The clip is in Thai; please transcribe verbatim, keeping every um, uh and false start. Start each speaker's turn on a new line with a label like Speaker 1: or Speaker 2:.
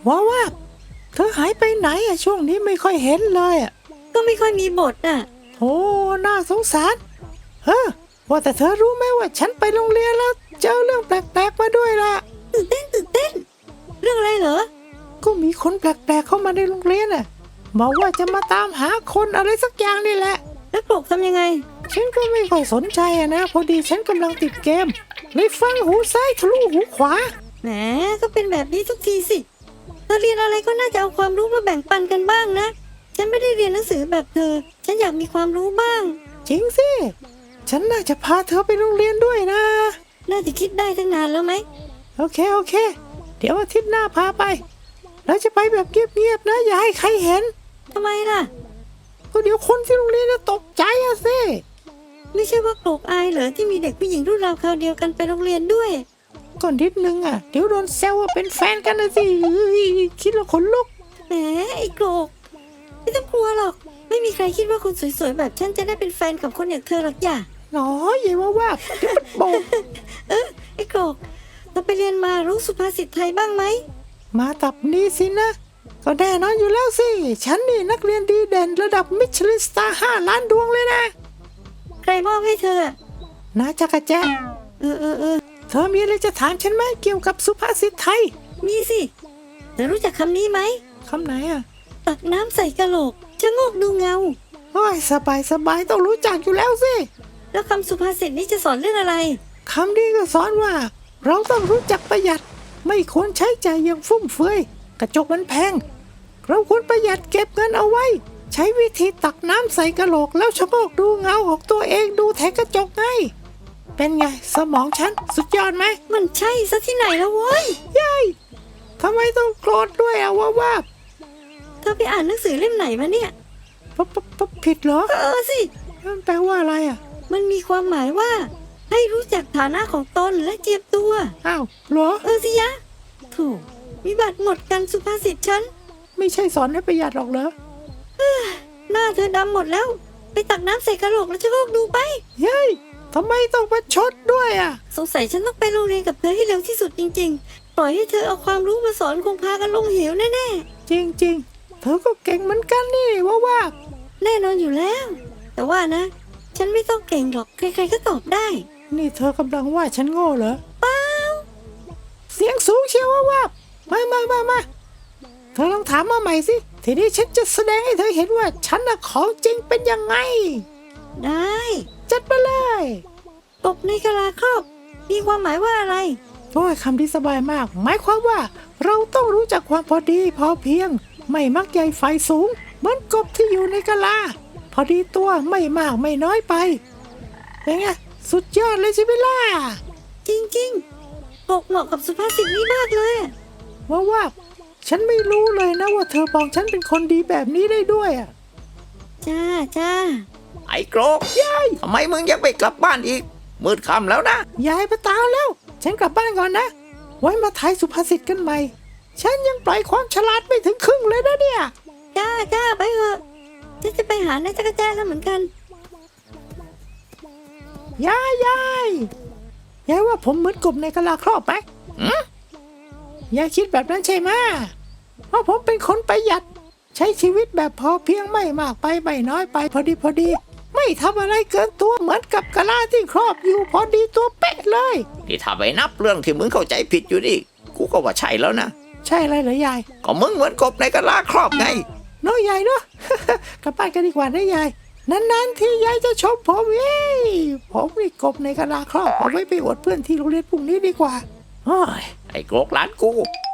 Speaker 1: ว่าว่าเธอหายไปไหนอะช่วงนี้ไม่ค่อยเห็นเลยอะ
Speaker 2: ก็ไม่ค่อยมีบทน่ะ
Speaker 1: โอ้น่าสงสารเฮ้อว่าแต่เธอรู้ไหมว่าฉันไปโรงเรียนแล้วเจอเรื่องแปลกๆมาด้วยล่ะ
Speaker 2: ตื่นเต้นตื่นเต้นเรื่องอะไรเหรอ
Speaker 1: ก็มีคนแปลกๆเข้ามาในโรงเรียนน่ะบอกว่าจะมาตามหาคนอะไรสักอย่างนี่แหละ
Speaker 2: แล้วปกทำยังไง
Speaker 1: ฉันก็ไม่ค่อยสนใจอะนะพอดีฉันกำลังติดเกมเลยฟังหูซ้ายทะลุหูขวา
Speaker 2: แหมก็เป็นแบบนี้ทุกทีสิเธอเรียนอะไรก็น่าจะเอาความรู้มาแบ่งปันกันบ้างนะฉันไม่ได้เรียนหนังสือแบบเธอฉันอยากมีความรู้บ้าง
Speaker 1: จริงสิฉันน่าจะพาเธอไปโรงเรียนด้วยนะ
Speaker 2: น่าจะคิดได้ตั้งนานแล้วไหม
Speaker 1: โอเคโอเคเดี๋ยวอาทิตย์หน้าพาไปเราจะไปแบบเงียบๆนะอย่าให้ใครเห็น
Speaker 2: ทำไมล่ะ
Speaker 1: ก็เดี๋ยวคนที่โรงเรียนจะตกใจอะสิ
Speaker 2: ไม่ใช่ว่าโกรกอายเหรอที่มีเด็กผู้หญิงรุ่นราวคราวเดียวกันไปโรงเรียนด้วย
Speaker 1: ก่อนนิดนึงอะเดี๋ยวโดนแซวว่าเป็นแฟนกันนะสิคิดแล้วขนลุก
Speaker 2: แหมไอ้โกรกไม่ต้องกลัวหรอกไม่มีใครคิดว่าคนสวยๆแบบฉันจะได้เป็นแฟนกับคนอย่างเธอหรอกอย่า
Speaker 1: น้อยอย่าว่าว่าเดี๋ยวมันโบก
Speaker 2: เออไอ้โกรกเราไปเรียนมารู้สุภาษิตไทยบ้างไหม
Speaker 1: มาตับนี้สินะก็แน่นอนอยู่แล้วสิฉันนี่นักเรียนดีเด่นระดับมิชลินสตาร์ห้าล้านดวงเลยนะ
Speaker 2: ใครมอบให้เธอ
Speaker 1: นาจักรแจ
Speaker 2: เออเออเออ
Speaker 1: เธอมีอะไรจะถามฉันไหมเกี่ยวกับสุภาษิตไทย
Speaker 2: มีสิเธอรู้จักคำนี้ไหม
Speaker 1: คำไหนอะ
Speaker 2: ตักน้ำใส่กะโหลกชะโงกดูเงา
Speaker 1: โอ้ยสบายสบายต้องรู้จักอยู่แล้วสิ
Speaker 2: แล้วคำสุภาษิตนี้จะสอนเรื่องอะไร
Speaker 1: คำนี้ก็สอนว่าเราต้องรู้จักประหยัดไม่ควรใช้จ่ายอย่างฟุ่มเฟือยกระจกมันแพงเราควรประหยัดเก็บเงินเอาไว้ใช้วิธีตักน้ำใส่กะโหลกแล้วชะโงกดูเงาของตัวเองดูแทนกระจกไงเป็นไงสมองฉันสุดยอดไหม
Speaker 2: มันใช่ซะที่ไหนแล้วเว้ย
Speaker 1: ยัยทำไมต้องโกรธด้วยอะว่าว่า
Speaker 2: เธอไปอ่านหนังสือเล่มไหนมาเนี่ย
Speaker 1: ปั๊บปั๊บปั๊บผิดเหรอ
Speaker 2: เออสิ
Speaker 1: มันแปลว่าอะไรอะ
Speaker 2: มันมีความหมายว่าให้รู้จักฐานะของตนและเจียมตัว
Speaker 1: อ้าวเหรอ
Speaker 2: เออสิยะถูกวิบัติหมดกันสุภาษิตฉัน
Speaker 1: ไม่ใช่สอนให้ประหยัดหรอกเหรอ
Speaker 2: หน้าเธอดำหมดแล้วไปตักน้ำใส่กระโหลกแล้วชะโงกดูไป
Speaker 1: เฮ้ยทำไมต้องมาชดด้วยอ่ะ
Speaker 2: สงสัยฉันต้องไปโรงเรียนกับเธอให้เร็วที่สุดจริงๆปล่อยให้เธอเอาความรู้มาสอนคงพากันลงเหวแน่
Speaker 1: ๆจริงๆเธอก็เก่งเหมือนกันนี่ว่าว่า
Speaker 2: แน่นอนอยู่แล้วแต่ว่านะฉันไม่ต้องเก่งหรอกใครๆก็ตอบได้
Speaker 1: นี่เธอกำลังว่าฉันโง่เหรอ
Speaker 2: เปล่า
Speaker 1: เสียงสูงเชียวว่าว่ามามามามาเธอลองถามมาใหม่สิทีนี้ฉันจะแสดงให้เธอเห็นว่าฉันน่ะของจริงเป็นยังไง
Speaker 2: ได้
Speaker 1: จัดไปเลย
Speaker 2: กบในกะลาครอบมีความหมายว่าอะไร
Speaker 1: โอ้ยคำที่สบายมากหมายความว่าเราต้องรู้จักความพอดีพอเพียงไม่มักใหญ่ไฟสูงเหมือนกบที่อยู่ในกะลาพอดีตัวไม่มากไม่น้อยไปเป็นไงสุดยอดเลยใช่ไหมล่ะ
Speaker 2: จริงๆกบเหมาะกับสุภาษิตนี้มากเลย
Speaker 1: ว่าว่าฉันไม่รู้เลยนะว่าเธอมองฉันเป็นคนดีแบบนี้ได้ด้วยอ่ะ
Speaker 2: จ้าจ้า
Speaker 3: ไอ้โกรกยายทำไมมึงยังไม่กลับบ้านอีกมืดค่ำแล้วนะ
Speaker 1: ยายไปตามแล้วฉันกลับบ้านก่อนนะไว้มาทายสุภาษิตกันใหม่ฉันยังปล่อยความฉลาดไม่ถึงครึ่งเลยนะเนี่ย
Speaker 2: จ้าจ้าไปเถอะฉันจะไปหานายจักรแจแล้วเหมือนกัน
Speaker 1: ยายยายยายว่าผมเหมือนกบในกะลาครอบไหมยายคิดแบบนั้นใช่ไหมเพราะผมเป็นคนประหยัดใช้ชีวิตแบบพอเพียงไม่มากไปไม่น้อยไปพอดีพอดีไม่ทำอะไรเกินตัวเหมือนกับกะลาที่ครอบอยู่พอดีตัวเป๊ะเลย
Speaker 3: นี่ถ้าไปนับเรื่องที่มึงเข้าใจผิดอยู่นี่กูก็ว่าใช่แล้วนะ
Speaker 1: ใช่อะไรเหรอยาย
Speaker 3: ก็มึงเหมือนกบในกะลาครอบไง
Speaker 1: น้อยยายเนาะ กลับบ้านกันดีกว่านะยายนานๆที่ยายจะชมผมเอ้ยผมนี่กบในกะลาครอบเอาไว้ไปอวดเพื่อนที่โรงเรียนพรุ่งนี้ดีกว่า
Speaker 3: ไอ้โกรกหลานกู